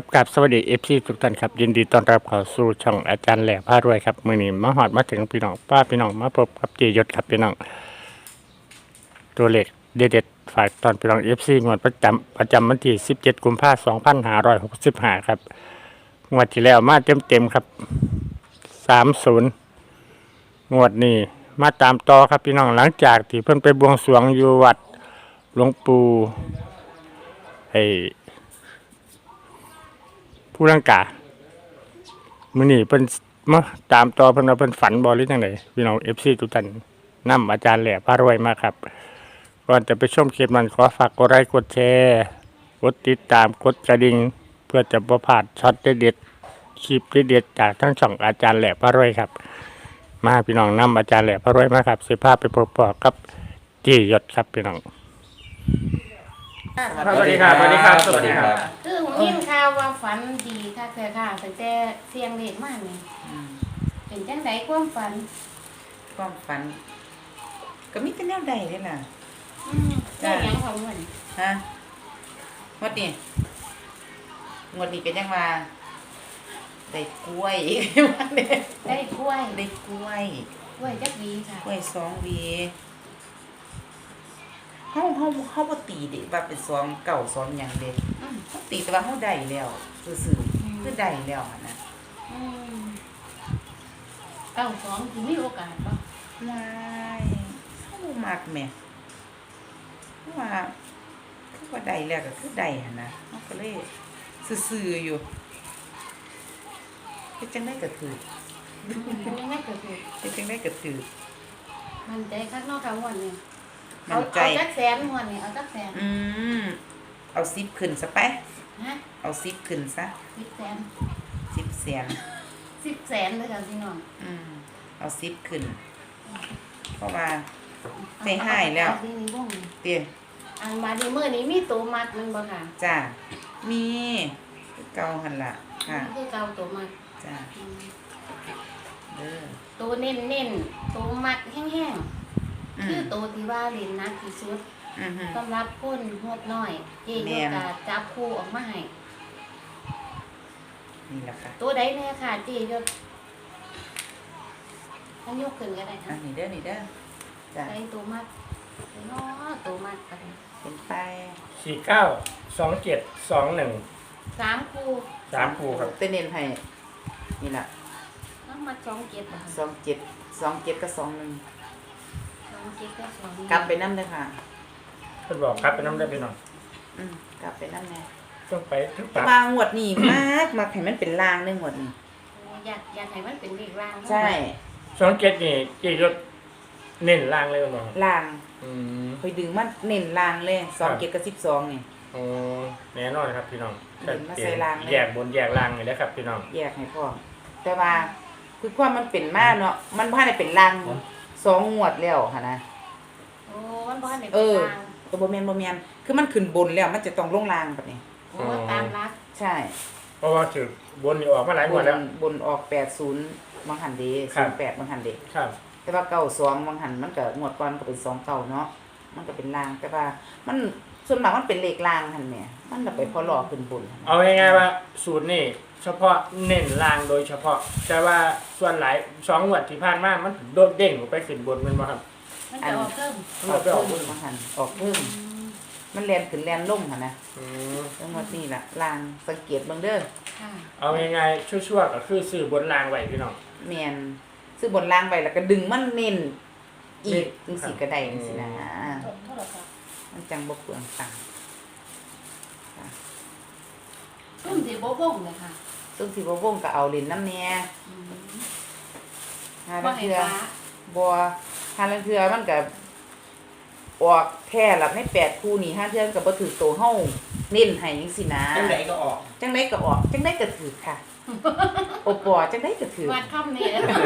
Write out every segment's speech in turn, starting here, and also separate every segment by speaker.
Speaker 1: กับสวัสดีFC ทุกท่านครับยินดีต้อนรับเข้าสู่ช่องอาจารย์แหล่พารวยครับมื้อนี้มาฮอดมาถึงพี่น้องพี่น้องมาพบกับเจยศครับพี่น้องตัวเลขเด็ดๆฝากตอนพี่น้อง FC งวดประจำวันที่17กุมภาพันธ์2565ครับงวดที่แล้วมาเต็มๆครับ30งวดนี้มาตามต่อครับพี่น้องหลังจากที่เพิ่นไปบวงสรวงอยู่วัดหลวงปู่ไอ้ผู้ร่างกามื้อนี้เพิ่นมาตามต่อเพิ่นว่าเพิ่นฝันบ่หรือจังไดพี่น้อง FC ทุกท่านนำอาจารย์แหล่พารวยมาครับก่อนจะไปชมคลิปนั้นขอฝากกดไลค์กดแชร์กดติดตามกดกระดิ่งเพื่อจะบ่พลาดช็อตเด็ดๆคลิปเด็ดๆจากทั้งช่องอาจารย์แหล่พารวยครับมาพี่น้องนำอาจารย์แหล่พารวยมาครับสิพาไปพบกับจียศครับพี่น้อง
Speaker 2: สวัสดีครับสวัสดีครับสวัสดีครับ
Speaker 3: คือผมยินข่าวว่าฝันดีค่ะแต่ค่ะตั้งแต่เสียงเด็กมากนี่เป็นจังไดความฝัน
Speaker 2: ความฝัน ก็มีแต่แนวใดเลยล่ะ
Speaker 3: ได้หยังของมัน
Speaker 2: ฮะงวดนี้เป็นยังว่าได้กล้วย
Speaker 3: ได้กล้วย
Speaker 2: ได้กล้วย
Speaker 3: กล้วยจักวีค่ะ
Speaker 2: กล้วย2 หวีเฮาบ่ตีเด้ว่าเป็น2เก่า2หยังเด้เฮาตีแต่ว่าเฮาได้แล้วซื่อๆคือได้แล้วหั่นน่ะ
Speaker 3: เก้าสองคือมีโอกาสป่ะ
Speaker 2: ว้ายเฮามักแหม่คือว่าได้แล้วก็คือได้หั่นนะเฮาก็เลยซื่อๆอยู่เฮ็ดจังได๋ก็ถูก
Speaker 3: ยังไม่เกิดเหตุ
Speaker 2: เฮ็ดจังได๋ก็ถูก
Speaker 3: มันใจข้างนอกข้างวันนี่
Speaker 2: มั่
Speaker 3: เอา
Speaker 2: นใจ
Speaker 3: จักแสนงวันนี่เอาจักแสน
Speaker 2: เอา10ขึ้นซะไป
Speaker 3: ฮะ
Speaker 2: เอา10ขึ้นซะ
Speaker 3: 10 แสน
Speaker 2: 10แสน
Speaker 3: 10 แสนเลยค่ะพี่น้อง
Speaker 2: เอา10ขึ้น เพราะว่าใจหายแล้ว
Speaker 3: อันนี้บ่ง
Speaker 2: เตี้ย
Speaker 3: อันบาดนี้มื้อนี้มีตัวมัดมันบ่ค่ะ
Speaker 2: จ้ามีคือเก่าหั่นล่ะค่ะ
Speaker 3: นี่คือเก่าตัวมัด
Speaker 2: จ้าเด้อ
Speaker 3: ตัวเน้นๆตัวมัดแห้งๆคือตัวที่ว่าเล่นหนักที่สุด
Speaker 2: ฮึ
Speaker 3: สำหรับคนงบน้อยเจ๊
Speaker 2: แม่
Speaker 3: ก็
Speaker 2: น
Speaker 3: จะจับคู่ออกมาให้
Speaker 2: นี่ล่ะค่ะ
Speaker 3: ตัวใดแน่ค่ะเจ๊ยกอันยกขึ้นก็ได้
Speaker 2: อั
Speaker 3: ค่ะ
Speaker 2: นนี้เด้อนี่เด้อจ้า
Speaker 3: ใส่ตัวมัดเนาะตัวมัดกัน
Speaker 2: เป็นไป
Speaker 1: 492721
Speaker 3: 3คู่
Speaker 1: 3คู่ครับ
Speaker 2: เต้นเน้นให้นี่ล่ะ
Speaker 3: น้ำมัด2 7บ่ค่ะ
Speaker 2: 27กับ21
Speaker 3: 2 7กับ2
Speaker 2: กลับไปนำเด้อค่ะ
Speaker 1: เพิ่นบอกครับเป็นน้ำได้พี่น้อง
Speaker 2: กลับไปนำแน่
Speaker 1: ต้องไปถึง
Speaker 2: แต่
Speaker 1: ปาก
Speaker 2: ว่างวดนี้มากให้มันเป็นลางเด้องวดนี้
Speaker 3: อยากให้มันเป็นเลขร่าง
Speaker 2: ใช่
Speaker 1: 27นี่เจยศเน้นล่างเลยบ่
Speaker 2: ลาง
Speaker 1: อืม
Speaker 2: คอยดึงมันเน้นลางเลย2 7กับ12นี่
Speaker 1: อ๋อแน่นอนครับพี่น้อง
Speaker 2: เห็นมาใส่รางเลย
Speaker 1: แยกบนแยกล่างนี่แหละครับพี่น้อง
Speaker 2: แยกให้พ่อแต่ว่าคือความมันเป็นมาเนาะมันบ่ได้เป็นลาง2 งวดแล้วหั่นนะ
Speaker 3: โอ้มันบ่ทันได้
Speaker 2: เอ
Speaker 3: เป็น
Speaker 2: อ
Speaker 3: ร่าง
Speaker 2: ก็บ่แม่นคือมันขึ้นบนแล้วมันจะต้องลงลางบัดนี้
Speaker 3: โอ้ตามรัก
Speaker 2: ใช่
Speaker 1: เพราะว่าถือบนนี่ออกมาหลายงวดแล้ว
Speaker 2: บนออก80บางหันเด้
Speaker 1: ครับ
Speaker 2: 08บางหันเด้
Speaker 1: ครับ
Speaker 2: แต่ว่า92บางหันมันก็งวดก่อนก็เป็น2เก่าเนาะมันก็เป็นลางแต่ว่ามันส่วนมากมันเป็นเลขลางหั่นแหม่มันน่ะไปพอหลอกขึ้นบนหั่น
Speaker 1: เอาง่ายๆว่าสูตรนี่เฉพาะเน้นล่างโดยเฉพาะ แต่ว่าส่วนหลาย2งวดที่ผ่านมามันโดดเด้งออกไปขึ้นบนแม่นบ่ครับ
Speaker 3: มันจะออกเพิ่ม
Speaker 2: ออกเพิ่มบางหันออกเพิ่มมันแล่นขึ้นแล่นลงหั่นนะ
Speaker 1: อืม
Speaker 2: แล้วงวดนี้ล่ะลางสังเกตเบิ่งเด้อ
Speaker 3: ค่ะ
Speaker 1: เอาง่ายๆชั่วๆก็คือซื้อบนล่างไว้พี่น้อง
Speaker 2: แม่นซื้อบนล่างไว้แล้วก็ดึงมันเน้นอีก
Speaker 1: เน้
Speaker 2: จั
Speaker 1: น
Speaker 2: งซี่ก็ได้จังซี่นะ
Speaker 3: เท่าไหร่ครับ
Speaker 2: มันจังบ่เปลืองตังค์
Speaker 3: ซุ่มสิบ่บ่งเลยค่ะ
Speaker 2: ซึ่งสิบ่วงก็เอาเล่นน้ำแหน่หา
Speaker 3: บ่
Speaker 2: ลาง
Speaker 3: ให้
Speaker 2: เทื่อ
Speaker 3: ฟ้า
Speaker 2: บ่หาลางเทื่อมันก็ออกแท้ละใน8คู่นี่หาเทื่อมันก็บ่ถูกโตเฮาเน้นให้จังซี่นะ
Speaker 4: จังไหนก็ออก
Speaker 2: จังได๋ก็ออกจังได๋ก็ถูกค่ะ โอปอจังได๋ก็ถูก
Speaker 3: วัดคำนี้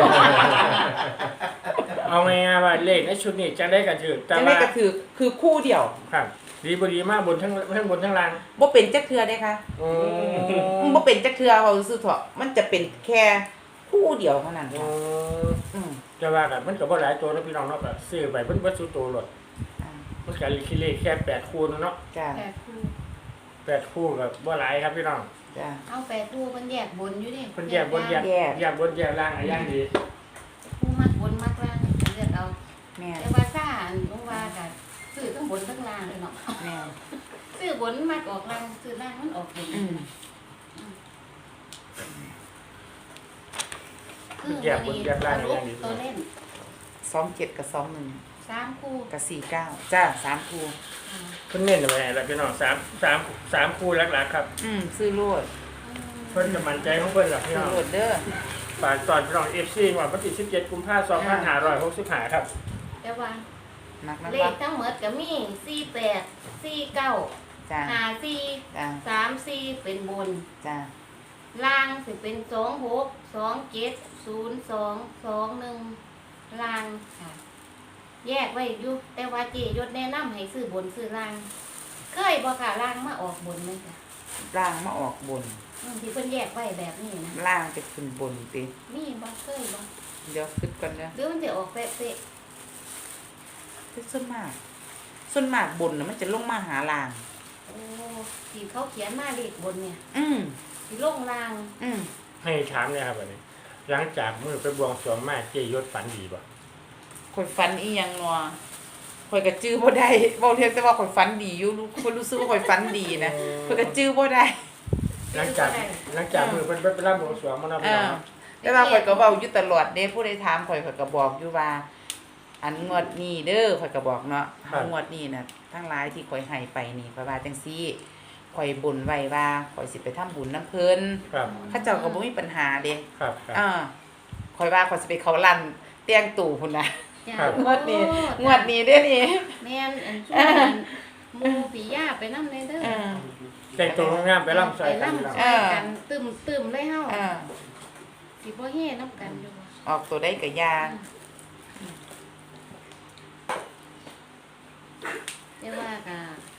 Speaker 1: เอาง่ายๆว่าเลขในชุดนี้จังได้ก็ถือแต่
Speaker 2: จังได๋
Speaker 1: ว่า
Speaker 2: ก็ถูกคือคู่เดียว
Speaker 1: ครับดีบ่ดีมากบนทั้งบนทั้งล่าง
Speaker 2: บ่เป็นจักเทื่อเด้ค่ะ
Speaker 1: อื
Speaker 2: มันบ่เป็นจักเทื่อเขาซื่อๆเถาะมันจะเป็นแค่คู่เดียวเท่านั้น
Speaker 1: อื
Speaker 2: ค่ะ
Speaker 1: ม
Speaker 2: อืม
Speaker 1: จะว่ากันมันก็บ่หลายตัวเนาะพี่น้องเนาะก็ซื้อไปเบิ่บ่สุตัวโลด
Speaker 2: อ่า
Speaker 1: มันก็คิดเลขแค่8คู่เนาะ
Speaker 2: จ้า
Speaker 3: แต่ครู
Speaker 1: 8คู่ก็บ่หลายครับพี่น้อง
Speaker 2: จ้ะ
Speaker 3: เอาแปดคู่เพิ่นแยกบนอยู่ดิ
Speaker 1: เพิ่นแยกบนแยก
Speaker 2: แยก
Speaker 1: แยกบนแยกล่างอะไรอย่างดี
Speaker 3: คู่มักบนมักล่างเลือกเอา
Speaker 2: แม่น
Speaker 3: แต่ว่าซ่าลงว่าก็ซื้อทั้งบนทั้งล่างเลยเนาะ
Speaker 2: แม่น
Speaker 3: ซื้อบนมักออกล่างซื้อล่างมันออกบน
Speaker 2: อืม
Speaker 3: คือวันนี้สรุปตัวเล่น
Speaker 2: 27กับ21
Speaker 3: 3คู่
Speaker 2: กับ49จ้า3คู่
Speaker 1: เพิ่นเน้นไว้แล้วพี่น้อง3คู่หลักๆครับ
Speaker 2: ซื้อโลด
Speaker 1: เพิ่นจะมั่นใจของเพิ่นล่ะพี่
Speaker 2: ซื้อ
Speaker 1: น้อง
Speaker 2: โลดเด้อ
Speaker 1: ฝากตอนพี่น้อง FC วันที่17กุมภาพันธ์2565ครับ
Speaker 3: แต่ว่า
Speaker 2: มักนะ
Speaker 3: เล
Speaker 2: วะ
Speaker 3: ขทั้งหมดก็มี48 49
Speaker 2: จ้า
Speaker 3: 54
Speaker 2: จ้า
Speaker 3: 34เป็นบน
Speaker 2: จ้า
Speaker 3: ล่างสิเป็น26 27 02 21ล่างค่ะ แยกไว้อยู่แต่ว่าเจยศแนะนำให้ซื้อบนซื้อล่าง เคยบ่ค่ะล่างมาออกบนไหมจ้ะ
Speaker 2: ล่างมาออกบน
Speaker 3: ที่เพิ่นแยกไว้แบบนี้นะ
Speaker 2: ล่างจะขึ้นบนติ
Speaker 3: มีบ่เคยบ่
Speaker 2: เดี๋ยวคิดก่อนเด้อ
Speaker 3: หรือมันจะออกเป๊ะ
Speaker 2: คือส่วนมากบนน่ะมันจะลงมาหาล่าง
Speaker 3: ๆโอ้ที่เขาเขียนมาเลขบนเนี่ย
Speaker 2: อืม
Speaker 3: สิลงล่าง
Speaker 2: อืม
Speaker 1: ให้ถามเนี่ยครับวันนี้หลังจากมื้อไปบวงสรวงมาเจยศฝันดีบ่
Speaker 2: ข่อยฝันอีหยังนัวข่อยก็จื้อบ่ได้เว้าเรียกแต่ว่าข่อยฝันดีอยู่ข่อยรู้สึกว่าข่อยฝันดีนะข่อยก็จื้อบ่ได้
Speaker 1: หลังจากมื้อเพิ่นไปรับบวงสรวงมาเนาะพี่น้องเนาะ
Speaker 2: แต่ว่าข่อยก็เว้าอยู่ตลอดเด้ผู้ใดถามข่อยก็บอกอยู่ว่า อันงวดนี้เด้อข่อยก็บอกเนาะงวดนี้น่ะทั้งหลายที่ข่อยให้ไปนี่ข่อยว่าจังซี่ข่อยบ่นไว้ว่าข่อยสิไปทำบุญนํเพิ่น
Speaker 1: ครับ
Speaker 2: เขาเจ้าก็บ่มีปัญหาเด้
Speaker 1: ครับครับ
Speaker 2: ข่อยว่าข่อยสิไปเขาลั่นเตียงตู่พุ่นน่ะ
Speaker 3: จ้ะ
Speaker 1: ครับ
Speaker 2: งวดนี้เด้อนี่
Speaker 3: แม่นอันช่วงนั้นหมู่ปีย่าไปนำเลยเด้อ
Speaker 1: แต่งตัวงามไปร่ำใส่
Speaker 3: ไป
Speaker 1: กัน
Speaker 3: ล่ำ
Speaker 1: พี่น้อง
Speaker 3: ใส่กันตึมเลยเฮาสิบ่เฮ็ดนํกันอยู่บ่
Speaker 2: ออกตัวได้ก็ยา
Speaker 3: แต่ว่าก็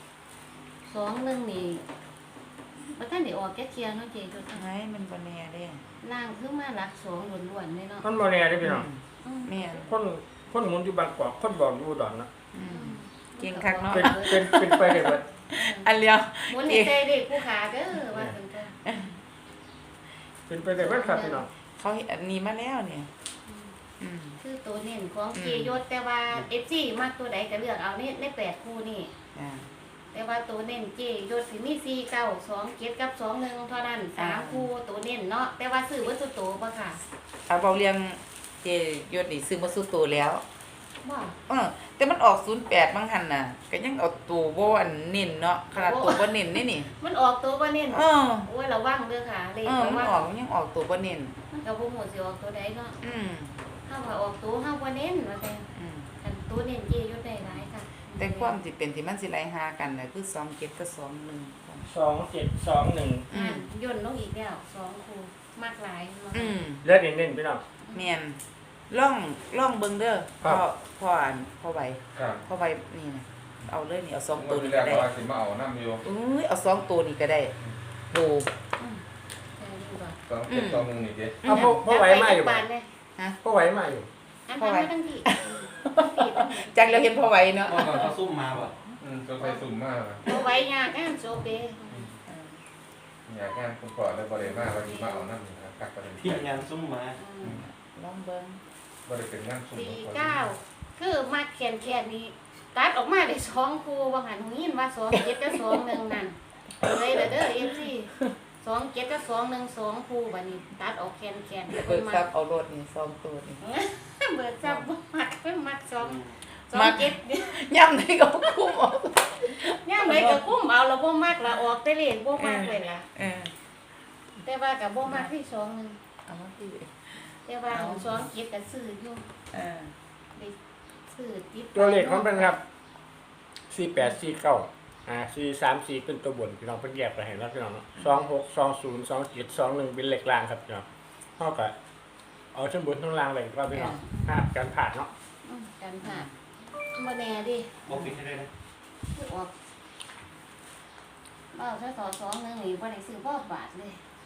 Speaker 3: 21นี่บ่ทันได้ออกแก่เที่ยเนาะเจจุด
Speaker 2: ไงมันบ่แน่เด้
Speaker 3: ล่างคือมาหลัก2ล้วนๆเลยเนาะ
Speaker 1: มันบ่แน่เด้อพี่น้อง
Speaker 2: แม่น
Speaker 1: คนหมุนอยู่บางกอกคนบอกอยู่อุดรเนาะ
Speaker 2: เก่งคักเนาะ
Speaker 1: เป็นไปได้เบิด
Speaker 2: อันเลียว
Speaker 3: หมุนในใจเด็กผู้ขาเด้อว่าซั่นจ้ะ
Speaker 1: เป็นไปได้เบิดครับพี่น้อง
Speaker 2: เขาเห็นอันนี้มาแล้วเนี่ยอืม
Speaker 3: คือตัวเน้นของเจยศแต่ว่า FC มักตัวใดก็เลือกเอาใน8คู่นี่
Speaker 2: อ่า
Speaker 3: แต่ว่าตัวเน้นเจยศสิมี4 9 2 7กับ21เท่านั้น3คู่ตัวเน้นเนาะแต่ว่าซื้อบ่สุดโตบ่ค่ะ
Speaker 2: เอาเบาเรียงเจยศนี่ซื้อมาสู้ตัวแล้ว
Speaker 3: บ่
Speaker 2: แต่มันออก08บางหันน่ะก็ยังเอาตัวบ่อันเน้นเนาะขนาดตัวบ่เน้นนี่นี่
Speaker 3: มันออกตัวบ่เน้น
Speaker 2: เออ
Speaker 3: โอ้ยระวังเด้อค่ะเลข
Speaker 2: มัน
Speaker 3: ว่า
Speaker 2: ออกมันยังออกตัวบ่เน้น
Speaker 3: มันก็บ่ฮู้สิออกตัวใดเนาะ
Speaker 2: อืม
Speaker 3: เฮาว่าออกตัวเฮาบ่เน้นว่าแต่
Speaker 2: อืม
Speaker 3: อันตัวเน้นเจยศได้หลายค่ะ
Speaker 2: แต่ความสิเป็นที่มันสิไล่หากันน่ะคือ27กับ21
Speaker 1: 2721
Speaker 3: ย่นลงอีกแล้ว2คู่มากหลายเนาะ
Speaker 2: อืม
Speaker 1: เลือดเน้นๆพี่น้อง
Speaker 2: แม่นล่องเบิ่งเด้อ
Speaker 1: ครับ
Speaker 2: พ่ออันพ่อไว้
Speaker 4: ครับ
Speaker 2: พ่อไว้นี่นะเอาเลยนี่เอา2ตัว
Speaker 4: นี่
Speaker 2: นี่
Speaker 4: แร
Speaker 2: ก็
Speaker 4: ก
Speaker 2: ได้
Speaker 4: ว่าสิมาเอาน้ำอยู่
Speaker 2: อุ้ยเอา2ตัวนี่ก็ได้โอ้
Speaker 3: ใช่ดีกว่า
Speaker 4: สองเจ็ดสองหนึ่งนี่เจ๊
Speaker 1: เอาพ่อไหวมาอยู่บ่
Speaker 3: นเลย
Speaker 1: พ่อไหวมาอยู่
Speaker 3: อันนั้นไม่ต้องดี
Speaker 2: จังเราเห็นพ่อไว้เนาะ
Speaker 5: เมื่อก่อนเขาซุ่มมาป่ะ
Speaker 4: ก็ไปสุ่มมากเลย
Speaker 3: เอาไว้ยากงานโจบเด้
Speaker 4: อยากงานคุณก่อนเลยบริเวณมากว่าสิมาเอาน้ำอยู่นะครับประเด็น
Speaker 5: ทีมงานซุ่มมา
Speaker 2: ลองเบิ่ง
Speaker 4: บริเป็นงานสุ่ม
Speaker 3: 49คือมาแคนนี้ตัดออกมาได้2คู่ว่าหันหูยินว่า2 7กับ2 1นั่นเลยเด้อ FC 2 7กับ2 1 2คู่บัดนี้ตัดออกแคน
Speaker 2: เบิกทรัพย์เอารถนี่2ตัวนี่
Speaker 3: เบิดจับบ่มักเป็นมัก2
Speaker 2: มัก
Speaker 3: 2 7
Speaker 2: ย่ำได้ก็คุ้มเอา
Speaker 3: ย่ามใดก็คุ้มเอาแล้วบ่มักละออกแต่เลขบ่มักเลยล่ะ แต่ว่าก็บ่มักที่2นึง
Speaker 2: เอามาพี่
Speaker 3: แต่ว่า2 7ก็ซื้ออยู่
Speaker 2: เออ
Speaker 3: ไปซื้อติด
Speaker 1: ตัวเลขของมันครับ4849434เป็นตัวบนพี่น้องเพิ่นแยกไปให้แล้วพี่น้องเนาะ26 20 27 21เป็นเลขล่างครับพี่น้องเฮาก็เอาทั้งบนทั้งล่างเลยก็พี่น้องการผ่านเนาะ
Speaker 3: กันผ่านบ่แน่ดิ
Speaker 5: บอกปิดให้ได้นะ
Speaker 3: คือออกบ่าวถ้าสอ2นึงนี่บ่ได้ซื้อบ่บาทเลย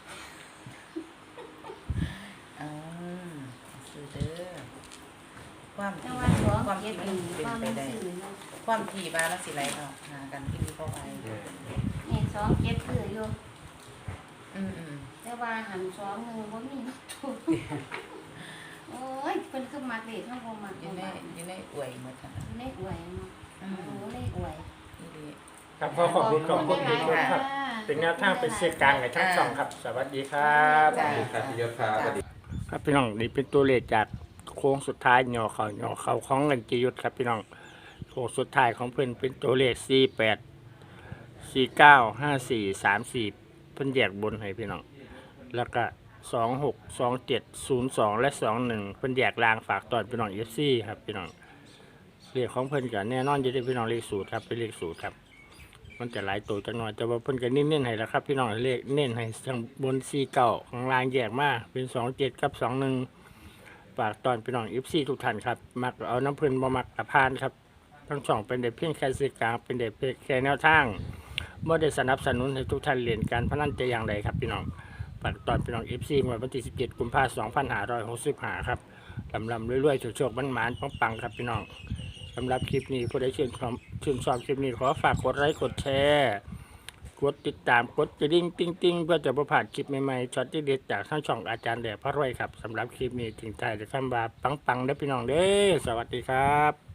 Speaker 2: อ่าซื้อเด้อความ
Speaker 3: แต่
Speaker 2: ที่
Speaker 3: ว่า2
Speaker 2: ความที่
Speaker 3: 7
Speaker 2: มัน
Speaker 3: นี่
Speaker 2: เป็น
Speaker 3: ว่า
Speaker 2: ไป
Speaker 3: มัน
Speaker 2: ได้
Speaker 3: ซื้อเนาะ
Speaker 2: ความที่ว่าแล้วสิไหลออกหากันที่พ่อไว้
Speaker 3: นี่2 7ซื้ออยู่
Speaker 2: อืม
Speaker 3: แต่ว่าหันสองหนึ่งบ่มีมาถูกโอ้ยเพิ่นคือมักเด็กเฮาบ่มัก
Speaker 2: อยู่ในอวยหมดทั้งนั้น
Speaker 3: เลขอวยเนาะโอ้เลขอวย
Speaker 2: นี่ดี
Speaker 1: ครับขอขอบคุณทุกคนครับเป็นแนวทางเป็นสื่อกลางให้ทั้งสองครับ สวัสดีครับ
Speaker 2: จ้ะ
Speaker 4: ครับพี่ยศครับสวัสดี
Speaker 1: ครับพี่น้องนี่เป็นตัวเลขจากโค้งสุดท้ายย่อเขาของเงินจียุทธครับพี่น้องโค้งสุดท้ายของเพื่อนเป็นตัวเลข48 49 54 34เพิ่นแยกบนให้พี่น้องแล้วก็26 27 02 และ 21เพิ่นแยกล่างฝากตอนพี่น้อง FC ครับพี่น้องเลขของเพิ่นก็แน่นอนอยู่ที่พี่น้องเลขสูตรครับเป็นเลขสูตรครับมันจะหลายตัวจังหน่อยแต่ว่าเพิ่นก็เน้นๆให้แล้วครับพี่น้องเลขเน้นให้ทางบน49ข้างล่างแยกมาเป็น27กับ21ฝากตอนพี่น้อง FC ทุกท่านครับมักเอาน้ำเพิ่นบ่มักกระพานครับทั้งสองเป็นได้เพียงแค่สื่อกลางเป็นได้เพียงแค่แนวทางบ่ได้สนับสนุนให้ทุกท่านเล่นการพนันแต่อย่างใดครับพี่น้องฝากตอนพี่น้อง FC งวดวันที่17กุมภาพันธ์2565ครับลำๆรวยๆโชคๆมันหมานๆปังๆครับพี่น้องสำหรับคลิปนี้ผู้ใดชื่นชอบคลิปนี้ขอฝากกดไลค์กดแชร์กดติดตามกดกระดิ่งติ๊งๆเพื่อจะบ่พลาดคลิปใหม่ๆช็อตเด็ดๆจากทางช่องอาจารย์แดดพระรวยครับสำหรับคลิปนี้ถึงใจจะคำว่าปังๆเด้อพี่น้องเด้อสวัสดีครับ